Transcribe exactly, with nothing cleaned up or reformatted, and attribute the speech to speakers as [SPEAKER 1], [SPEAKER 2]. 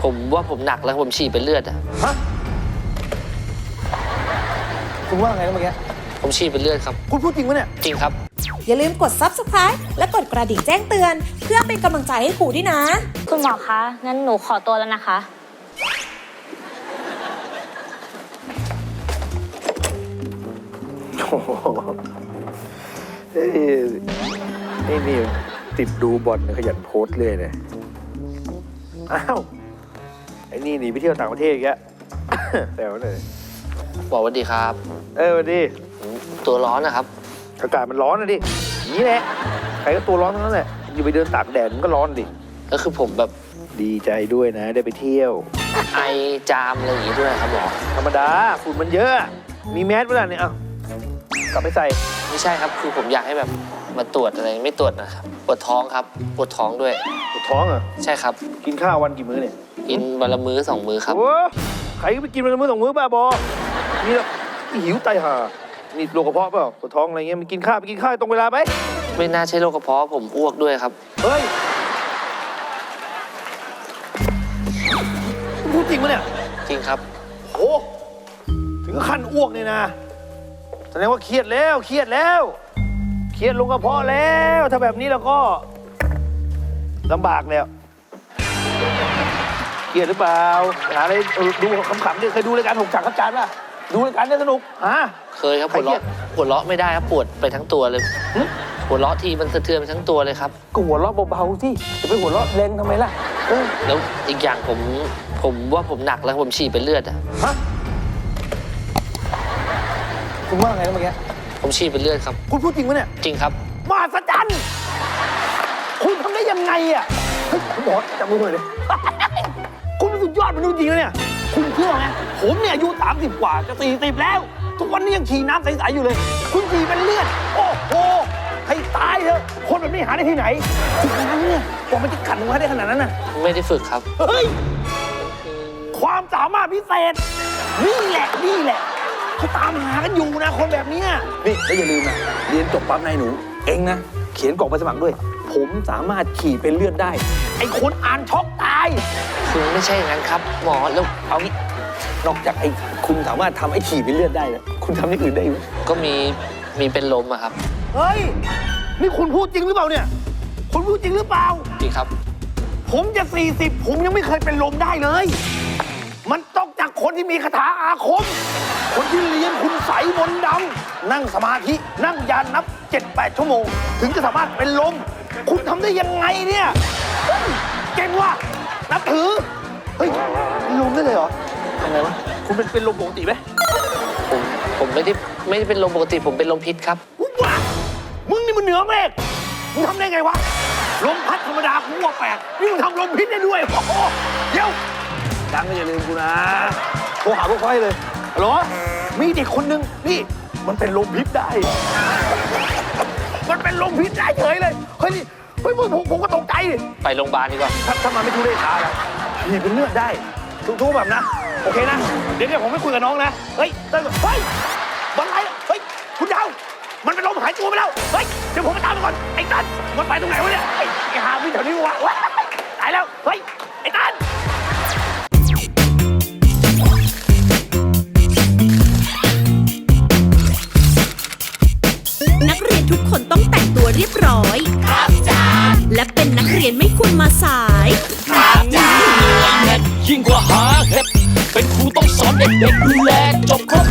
[SPEAKER 1] ผมว่าผมหนักแล้วผมฉี่เป็นเลือดอะ
[SPEAKER 2] ฮะคุณว่าไงนะเมื่อกี้
[SPEAKER 1] ผมฉี่เป็นเลือดครับ
[SPEAKER 2] คุณพูดจริงปะเนี่ย
[SPEAKER 1] จริงครับ
[SPEAKER 3] อย่าลืมกด ซับสไครบ์ และกดกระดิ่งแจ้งเตือนเพื่อเป็นกำลังใจให้ครูด้วยนะ
[SPEAKER 4] คุณหมอคะงั้นหนูขอตัวแล้วนะคะ
[SPEAKER 2] โอ้โหเอ้ยนี่นี่ติดดูบอลขยันโพสต์เลยเนี่ยอ้าวไอ้นี่หนีไปเที่ยวต่างประเทศอีกแล้วแซวเลย
[SPEAKER 1] บอกสวัสดีครับ
[SPEAKER 2] เออสวัสดี
[SPEAKER 1] ตัวร้อนนะครับ
[SPEAKER 2] อากาศมันร้อนนะดิอย่างนี้แหละใครก็ตัวร้อนทั้งนั้นแหละอยู่ไปเดินตากแดดมันก็ร้อนดิ
[SPEAKER 1] ก็คือผมแบบ
[SPEAKER 2] ดีใจด้วยนะได้ไปเที่ยว
[SPEAKER 1] ไอจามอะไรอย่างงี้ด้วยครับหมอ
[SPEAKER 2] ธรรมดาฝุ่นมันเยอะมีแมสเวลาเนี่ยเอากลับไปใส่
[SPEAKER 1] ไม่ใช่ครับคือผมอยากให้แบบมาตรวจอะไรไม่ตรวจนะครับปวดท้องครับปวดท้องด้วย
[SPEAKER 2] ปวดท้องเหรอ
[SPEAKER 1] ใช่ครับ
[SPEAKER 2] กินข้าววันกี่มื้อเนี่ย
[SPEAKER 1] กินวันละมื้อสองมื้อครับ
[SPEAKER 2] โอ้ใครก็ไปกินวันละมื้อสองมื้อบ้าบอนี่แล้วหิวไตห่านี่โรคกระเพาะเปล่าปวดท้องอะไรเงี้ยมันกินข้าวไปกินข้าวตรงเวลาไหม
[SPEAKER 1] ไม่น่าใช่โรคกระเพาะผมอ้วกด้วยครับ
[SPEAKER 2] เฮ้ยพูดจริงปะเนี่ย
[SPEAKER 1] จริงครับ
[SPEAKER 2] โอ้ถึงขั้นอ้วกนี่นะแสดงว่าเครียดแล้วเครียดแล้วเครียดลงกระเพาะแล้วถ้าแบบนี้แล้วก็ลำบากแล้วเครียดหรือเปล่าหาอะไรดูขำๆดิเคยดูรายการหกฉากครับจานป่ะดูรายการเนี่ยสนุกฮะ
[SPEAKER 1] เคยครับหัวเราะหัวเราะไม่ได้ครับปวดไปทั้งตัวเลยหัวเราะทีมันสะเทือนไปทั้งตัวเลยครับ
[SPEAKER 2] ก็หัวเราะเบาๆสิจะไปหัวเราะแรงทำไมล่ะ
[SPEAKER 1] แล้วอีกอย่างผมผมว่าผมหนักแล้วผมฉี่เป็นเลือดอะ
[SPEAKER 2] ฮะคุณว่าไงนะเมื่อกี้
[SPEAKER 1] ผมฉี่เป็นเลือดครับ
[SPEAKER 2] คุณพูดจริงปะเนี่ย
[SPEAKER 1] จริงครับ
[SPEAKER 2] มหัศจรรย์คุณทำได้ยังไงอะเฮ้ยคุณหมอจับมือหน่อยเลยคุณเป็นสุดยอดมนุษย์จริงนะเนี่ยคุณเชื่อไหมผมเนี่ยอายุสามสิบกว่าจะสี่สิบแล้วทุกวันนี้ยังฉี่น้ำใสๆอยู่เลยคุณฉี่เป็นเลือดโอ้โหให้ตายเถอะคนแบบนี้หาได้ที่ไหนฝึกนั้นเนี่ยว่ามันจะขัดมาได้ขนาดนั้นน่ะ
[SPEAKER 1] ไม่ได้ฝึกครับ
[SPEAKER 2] เฮ้ยความสามารถพิเศษนี่แหละนี่แหละเขาตามหากันอยู่นะคนแบบนี้นี่แล้วอย่าลืมนะเรียนจบปั๊บนายหนูเองนะเขียนกล่องใบสมัครด้วยผมสามารถขี่เป็นเลือดได้ไอ้คนอ่านช็อกตาย
[SPEAKER 1] คือไม่ใช่อย่างนั้นครับหมอแล้ว
[SPEAKER 2] เอางี้นอกจากไอ้คุณสามารถทำไอ้ขี่เป็นเลือดได้นะคุณทำอย่างอื่นได้ไหม
[SPEAKER 1] ก็มีมีเป็นลมอะครับ
[SPEAKER 2] เฮ้ยนี่คุณพูดจริงหรือเปล่าเนี่ยคุณพูดจริงหรือเปล่า
[SPEAKER 1] จริงครับ
[SPEAKER 2] ผมจะสี่สิบผมยังไม่เคยเป็นลมได้เลยมันต้องจากคนที่มีคาถาอาคมคนที่เรียนคุณใสมนต์ดำนั่งสมาธินั่งยานนับ เจ็ดแปด ชั่วโมงถึงจะสามารถเป็นลมคุณทำได้ยังไงเนี่ยเก่งว่ะนับถือเฮ้ยเป็นลมได้เลยเหรอทำไงวะคุณเป็นเป็นลมปกติไหม
[SPEAKER 1] ผมผมไม่ได้ไม่ได้เป็นลมปกติผมเป็นลมพิษครับ
[SPEAKER 2] ว้ามึงนี่มันเหนือเมฆมึงทำได้ไงวะลมพัดธรรมดากูว่าแปลกนี่มึงทำลมพิษได้ด้วยโอ้โหเดี๋ยวดังก็อย่าลืมกูนะโทรหาพวกไฟเลยฮัลโหลมีเด็กคนนึงนี่มันเป็นลมพิษได้มันเป็นลมพิษได้เฉยเลยเฮ้ยเฮ้ยผมผมก็ตกใจดิ
[SPEAKER 1] ไปโรงพยาบาลดีกว่า
[SPEAKER 2] ถ้าถ้ามาไม่ทุเรศขาแล้วนี่เป็นเลือดได้ทุกๆแบบนะโอเคนะเดี๋ยวเนี่ยผมไม่คุยกับน้องนะเฮ้ยเต้ยเฮ้ยบอลไหลเฮ้ยคุณดาวมันเป็นลมหายตัวไปแล้วเฮ้ยเดี๋ยวผมไปตามมันก่อนไอ้ตันมันไปตรงไหนวะเนี่ยไอ้หาวิ่งแถวนี้วะตายแล้วเฮ้ยไอ้ตัน
[SPEAKER 3] นักเรียนทุกคนต้องแต่งตัวเรียบร้อยครับจ้าและเป็นนักเรียนไม่ควรมาสาย
[SPEAKER 5] ครับจ้ายิ่งกว่าหาเห็ดเป็นครูต้องสอนเด็กๆดูแลจบครบ